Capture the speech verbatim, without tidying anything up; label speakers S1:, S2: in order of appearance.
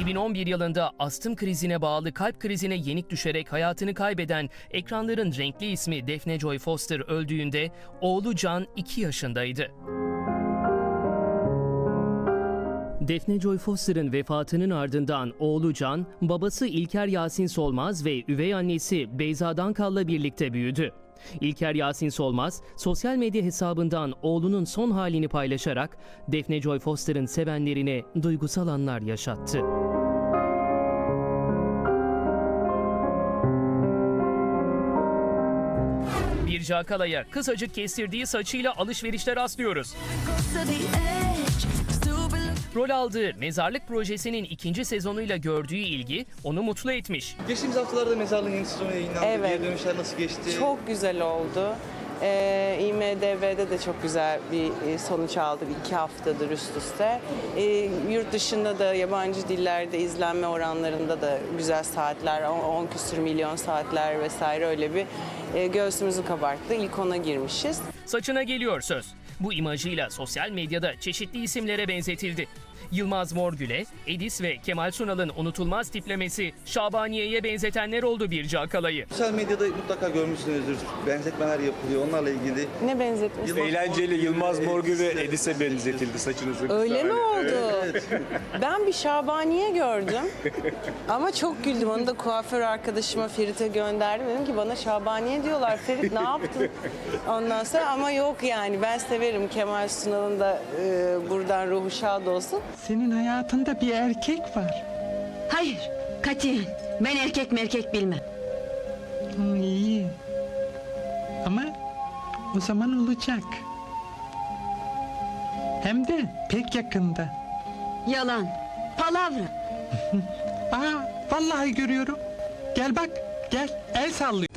S1: iki bin on bir yılında astım krizine bağlı kalp krizine yenik düşerek hayatını kaybeden ekranların renkli ismi Daphne Joy Foster öldüğünde oğlu Can iki yaşındaydı. Daphne Joy Foster'ın vefatının ardından oğlu Can, babası İlker Yasin Solmaz ve üvey annesi Beyza Dankal'la birlikte büyüdü. İlker Yasin Solmaz, sosyal medya hesabından oğlunun son halini paylaşarak Daphne Joy Foster'ın sevenlerine duygusal anlar yaşattı. Birce Akalay'a kısacık kestirdiği saçıyla alışverişte rastlıyoruz. Rol aldığı Mezarlık projesinin ikinci sezonuyla gördüğü ilgi onu mutlu etmiş.
S2: Geçtiğimiz haftalarda Mezarlığın yeni sezonu yayınlandı.
S3: Evet.
S2: Geri dönüşler nasıl geçti?
S3: Çok güzel oldu. Ee, İ M D B'de de çok güzel bir sonuç aldık iki haftadır üst üste. Ee, yurt dışında da yabancı dillerde izlenme oranlarında da güzel saatler, on küsür milyon saatler vesaire öyle bir e, göğsümüzü kabarttı. İlk ona girmişiz.
S1: Saçına geliyor söz. Bu imajıyla sosyal medyada çeşitli isimlere benzetildi. Yılmaz Morgül'e, Edis ve Kemal Sunal'ın unutulmaz tiplemesi Şabaniye'ye benzetenler oldu Birce Akalay'ı.
S2: Sosyal medyada mutlaka görmüşsünüzdür. Benzetmeler yapılıyor onlarla ilgili.
S3: Ne benzetmiş?
S2: Yılmaz
S4: Eğlenceli
S2: Morgül
S4: Yılmaz
S2: ve
S4: Morgül ve
S2: Edis'e-
S4: Edis'e benzetildi saçınızı.
S3: Öyle mi oldu?
S2: Evet.
S3: Ben bir Şabaniye gördüm ama çok güldüm. Onu da kuaför arkadaşıma Ferit'e gönderdim. Dedim ki bana Şabaniye diyorlar. Ferit ne yaptın? Ondan sonra ama yok yani ben severim. Kemal Sunal'ın da e, buradan ruhu şad olsun.
S5: Senin hayatında bir erkek var.
S6: Hayır, katiyen. Ben erkek merkek bilmem.
S5: Hı, iyi. Ama o zaman olacak. Hem de pek yakında.
S6: Yalan, palavra.
S5: Aa, vallahi görüyorum. Gel bak, gel. El sallıyor.